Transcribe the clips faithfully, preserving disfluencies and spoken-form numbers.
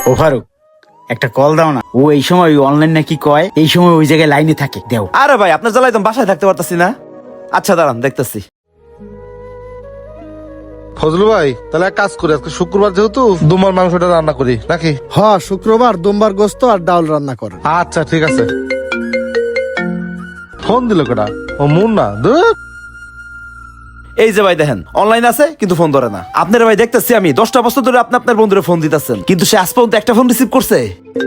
ও ফারুক, একটা কল দাও না। ও এই সময় অনলাইন নাকি কয়, এই সময় ওই জায়গায় লাইনে থাকে, দেও। আরে ভাই আপনার জ্বালায় তো বাসায় থাকতে পারতাছি না। আচ্ছা দাঁড়ান দেখতেছি। ফজলু ভাই, তাহলে এক কাজ করি, আজকে শুক্রবার যেহেতু দুমার মাংসটা রান্না করি নাকি? হ, শুক্রবার দুম্বার গোস্ত আর ডাউল রান্না করেন। আচ্ছা ঠিক আছে। ফোন দিল কেটা? ও মুন না ধুর। এই যে ভাই দেখেন অনলাইন আছে কিন্তু ফোন ধরে না। আপনার ভাই দেখতেছি আমি দশটা বছর ধরে আপনি আপনার বন্ধুরে ফোন দিতেছেন, কিন্তু সে আজ পর্যন্ত একটা ফোন রিসিভ করছে।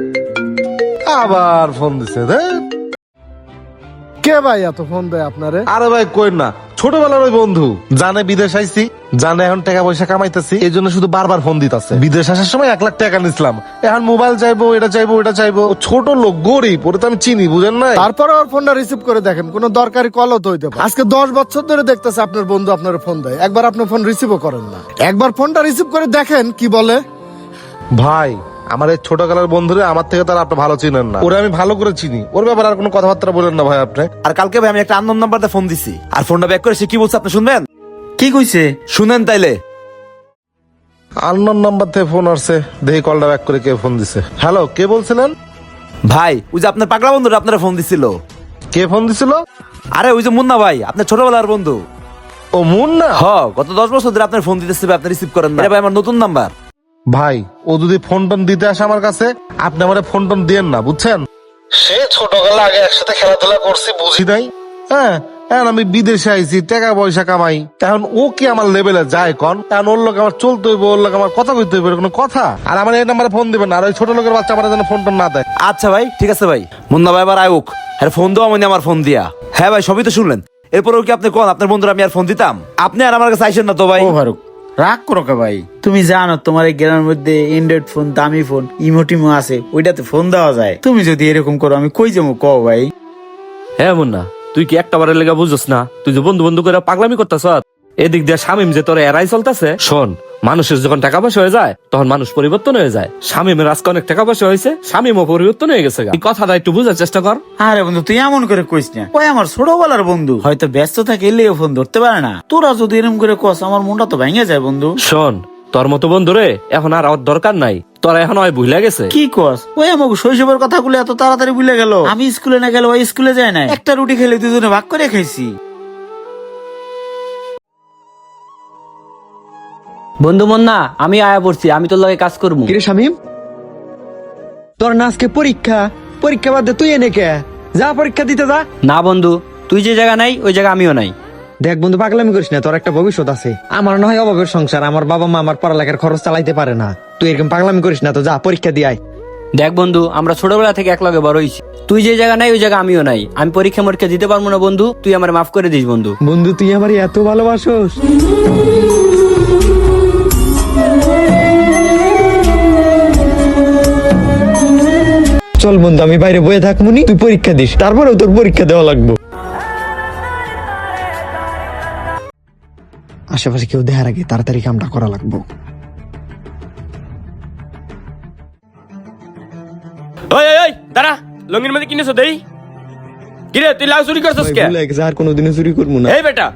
আবার ফোন দিছে ধুর। কে ভাই এত ফোন দেয় আপনারে? আরে ভাই কই না, ছোটবেলার ওই বন্ধু, জানে বিদেশ আইছি, জানে এখন টাকা পয়সা কামাইতেছি, এই জন্য শুধু বারবার ফোন দিতেছে। বিদেশ আসার সময় এক লাখ টাকা নিছিলাম, এখন মোবাইল চাইবো, এটা চাইবো, এটা চাইবো। ও ছোট লোক, গরিব, ওটা তো আমি চিনি, বুঝেন না? তারপরে ওর ফোনটা রিসিভ করে দেখেন, কোনো দরকারি কলও তো হইতে পারে। আজকে দশ বছর ধরে দেখতেছে আপনার বন্ধু আপনার ফোন দেয়, একবার আপনি ফোন রিসিভও করেন না। একবার ফোনটা রিসিভ করে দেখেন কি বলে। ভাই আমার এই ছোটবেলার বন্ধুরে আমার থেকে তারা আপনি ভালো চিনেন না, ওরে আমি ভালো করে চিনি, ওর ব্যাপারে আর কোনো কথাবার্তা বলেন না ভাই আপনি। আর কালকে ভাই আমি একটা আননোন নাম্বার দিয়ে ফোন দিছি, আর ফোনটা ব্যাক করে সে কি বলছে আপনি শুনবেন? কি কইছে? শুনেন তাইলে। আননোন নাম্বার থেকে ফোন আসছে, দেখি কলটা ব্যাক করে কে ফোন দিছে। হ্যালো, কে বলছিলেন? ভাই ওই যে আপনার পাগলা বন্ধুরা আপনারা ফোন দিছিল। কে ফোন দিছিল? আরে ওই যে মুন্না ভাই, আপনার ছোটবেলার বন্ধু। ও মুন না? হ, গত দশ বছর ধরে আপনার ফোন দিতেছে, আপনি রিসিভ করেন না। এটা ভাই আমার নতুন নাম্বার। ভাই ও যদি ফোন টোন দিতে আসে আমার কাছে, আপনি আমার ফোন টোন দিয়েন না, বুঝছেন? সে ছোটবেলা আগে একসাথে খেলাধুলা করছি, বুঝি নাই। হ্যাঁ, এখন আমি বিদেশে আইছি, টাকা পয়সা কামাই, এখন ও কি আমার লেভেলে যায় কন? এখন ওর লোক আমার চলতে হইব, ওর লোক আমার কথা কইতে হইব, কোনো কথা? আর আমার এই নাম্বারে ফোন দিবেন না, আর ওই ছোট লোকের বাচ্চা আমার যেন ফোন টোন না দেয়। আচ্ছা ভাই ঠিক আছে ভাই। মুন্না ভাই আবার আয়ুক, হ্যাঁ ফোন দেওয়া মানে আমার ফোন দিয়া। হ্যাঁ ভাই সবই তো শুনলেন। এরপরেও কি আপনি কোন আপনার বন্ধুরা আমি আর ফোন দিতাম? আপনি আর আমার কাছে আইসেন না তো ভাই। ও ফারুক, রাগ করো কে ভাই? তুমি জানো তোমার এই গ্রামের মধ্যে অ্যান্ড্রয়েড ফোন, দামি ফোন, ইমোটিমো আছে, ওইটাতে ফোন দেওয়া যায়। তুমি যদি এরকম করো আমি কই যাবো কও ভাই? হ্যাঁ মুন্না, তুই কি একটা বারের লেগা বুঝছ না? তুই যে বন্ধু বন্ধু করে পাগলামি করতেছ, এদিক দিয়ে শামিম যে তোর এরাই চলতেছে। শোন, মানুষের যখন টাকা পয়সা হয়ে যায় তখন মানুষ পরিবর্তন হয়ে যায়। শামিমের আজকে অনেক টাকা পয়সা হয়েছে, শামিমও পরিবর্তন হয়ে গেছে। এই কথাটা একটু বুঝার চেষ্টা কর। আরে বন্ধু তুই এমন করে কইস না, ওই আমার ছোটবেলার বন্ধু, হয়তো ব্যস্ত থাকে এলেও ফোন ধরতে পারে না। তোরা যদি এরকম করে কস আমার মনটা তো ভেঙে যায় বন্ধু। শোন, তোর মতো বন্ধু রে এখন আর ওর দরকার নাই, তোরা এখন ওই ভুলে গেছে। কি কস? ওই আমাকে শৈশবের কথাগুলো এত তাড়াতাড়ি ভুলে গেল? আমি স্কুলে না গেলে ওই স্কুলে যায় না, একটা রুটি খেলে দুজনে ভাগ করে খাইছি। বন্ধু মন্না, আমি আয়া পড়ছি, আমি তোর লগে কাজ করবো। কিরে শামিম, তোর না আজকে পরীক্ষা? পরীক্ষা বাদ দে, তুই এনে কে যা পরীক্ষা দিতে যা। না বন্ধু, তুই যে জায়গা নাই ওই জায়গা আমিও নাই। দেখ বন্ধু, পাগলামি করিস না, তোর একটা ভবিষ্যৎ আছে। আমার না হয় অভাবের সংসার, আমার বাবা মা আমার পড়ালেখার খরচ চালাইতে পারে না। তুই এরকম পাগলামি করিস না তো, যা পরীক্ষা দিয়ে আয়। দেখ বন্ধু, আমরা ছোটবেলা থেকে এক লগে বড় হইছি, তুই যে জায়গা নাই ওই জায়গা আমিও নাই। আমি পরীক্ষা মরীক্ষা দিতে পারবো না বন্ধু, তুই আমার মাফ করে দিস বন্ধু। বন্ধু তুই আমার এত ভালোবাসোস। চল বন্ধু, আমি বাইরে বয়ে থাকবনি, তুই পরীক্ষা দিস, তারপরেও তোর পরীক্ষা দেওয়া লাগবে। আশেপাশে কেউ দেখার আগে তাড়াতাড়ি কামটা করা লাগবে। ওই ওই ওই দাঁড়া, লঙ্গির মধ্যে কিনেছো দেই? কিরে তুই লাউ চুরি করছস কে? আর কোনোদিনও চুরি করবো না। এই বেটা,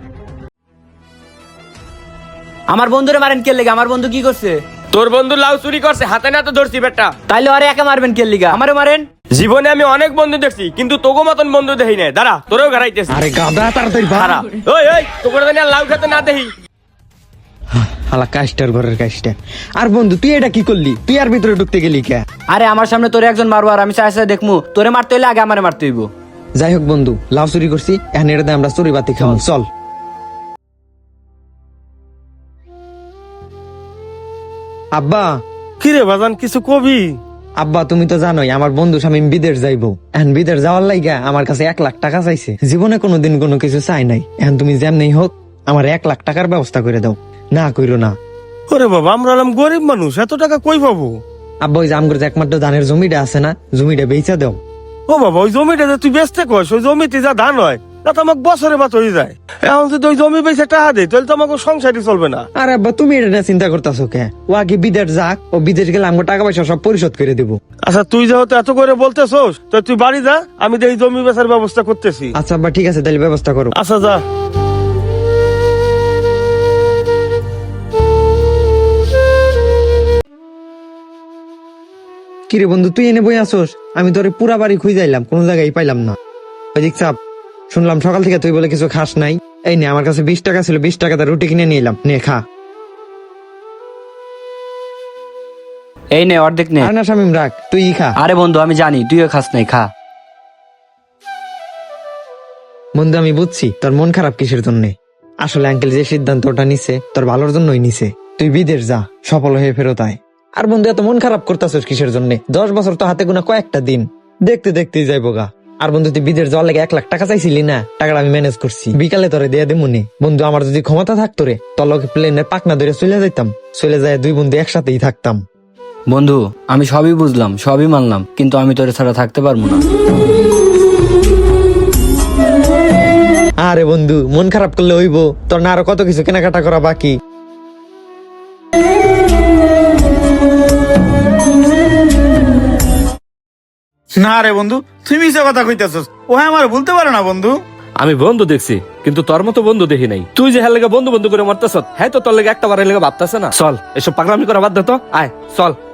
আমার বন্ধুরে মারেন কে লেগে? আমার বন্ধু কি করছে? তোর বন্ধু লাউ চুরি করছে, হাতে না তো ধরছি বেটা। তাইলে আরে একা মারবেন কে লিগা? আমারও মারেন। জীবনে আমি অনেক বন্ধু দেখছি, কিন্তু তোগো মতন বন্ধু দেখি নাই। দাঁড়া, তোরেও ঘাড়াইতেছি। আরে গাদা, তাড়াতাড়ি দাঁড়া, ওই ওই তোকে জানি আর লাউ খেতে না দেখি। হালা কাজটার ঘরের কাজটা। আর বন্ধু তুই এটা কি করলি? তুই আর ভিতরে ঢুকতে গেলি কে? আরে আমার সামনে তোরে একজন মারবো আর আমি চাই চাই দেখমু? তোরে মারতে হইলে আগে আমারে মারতে হইব। যাই হোক বন্ধু, লাভ চুরি করছি, এখন এটাতে আমরা চুরি বাতি খাবো, চল। আব্বা। কিরে বাজান, কিছু কবি? আব্বা তুমি তো জানোই আমার বন্ধু শামিম বিদেশ যাইবো, এখন বিদেশ যাওয়ার লাইগা আমার কাছে এক লাখ টাকা চাইছে। জীবনে কোনোদিন কোনো কিছু চাই নাই, এখন তুমি যেমনি হোক আমার এক লাখ টাকার ব্যবস্থা করে দাও। না কইরো না। ওরে বাবা, আমরা হলাম গরিব মানুষ, এত টাকা কই পাবো? আব্বা ওই যে আমগর যে একমাত্র ধানের জমিটা আছে না, জমিটা বেচা দাও। ও বাবা, ওই জমিটা যে তুই বেচতে কস, ওই জমিতে যা ধান হয় তা তো আমাকে বছরে বাত হয়ে যায়। এখন যদি ওই জমি বেচে টাকা দেয় তাহলে তো আমাকে সংসারই চলবে না। আর আব্বা তুমি এটা নিয়ে চিন্তা করতেছো কে? ও আগে বিদেশ যাক, ও বিদেশ গেলে আমগো টাকা পয়সা সব পরিশোধ করে দেবো। আচ্ছা তুই যেহেতু এত করে বলতেছোস, তো তুই বাড়ি যা, আমি এই জমি বেচার ব্যবস্থা করতেছি। আচ্ছা আব্বা ঠিক আছে, তাহলে ব্যবস্থা করো। আচ্ছা যা। কিরে বন্ধু তুই এনে বই আসোস? আমি তোরে পুরা বাড়ি খুঁজাইলাম, কোনো জায়গায় পাইলাম না। ওই দিক চাপ, শুনলাম সকাল থেকে তুই বলে কিছু খাস নাই। এই নে, আমার কাছে বিশ টাকা ছিল, বিশ টাকাতে রুটি কিনে নিয়ে এলাম, নে খা। এই নে অর্ধেক নে। আর না শামিম রাখ, তুই খা। আরে বন্ধু আমি জানি তুইও খাস নাই, খা। বন্ধু আমি বুঝছি তোর মন খারাপ কিসের জন্য। আসলে আঙ্কেল যে সিদ্ধান্তটা নিছে তোর ভালোর জন্যই নিছে। তুই বিদেশ যা, সফল হয়ে ফেরত আয়। আর বন্ধু এত মন খারাপ করতেছিস কিসের জন্য? দশ বছর তো হাতে গোনা কয়েকটা দিন, দেখতে দেখতেই যাইবো গা। আর বন্ধু তুই বিদেশ যাওয়ার লাগে এক লাখ টাকা চাইছিলি না, টাকাটা আমি ম্যানেজ করছি, বিকালে তোরে দিয়ে দে মনে। বন্ধু আমার যদি ক্ষমতা থাকতো রে, তোর লগে প্লেনের পাকনা ধরে চলে যাইতাম, চলে যায় দুই বন্ধু একসাথেই থাকতাম। বন্ধু আমি সবই বুঝলাম, সবই মানলাম, কিন্তু আমি তোরে ছাড়া থাকতে পারবো না। আরে বন্ধু মন খারাপ করলে হইব? তোর না আরো কত কিছু কেনাকাটা করা বাকি। না রে বন্ধু, তুমি মিছে কথা কইতেছস। ও আমার বলতে পারে না বন্ধু। আমি বন্ধু দেখছি, কিন্তু তোর মতো বন্ধু দেখি নাই। তুই যে হ্যাঁ লেগে বন্ধু বন্ধু করে মারতেছ, হ্যাঁ তো তোর লেগে একটা বারের লেগে ভাবতেছে না। চল এসব পাগলামি করা বাদ দে তো, আয় চল।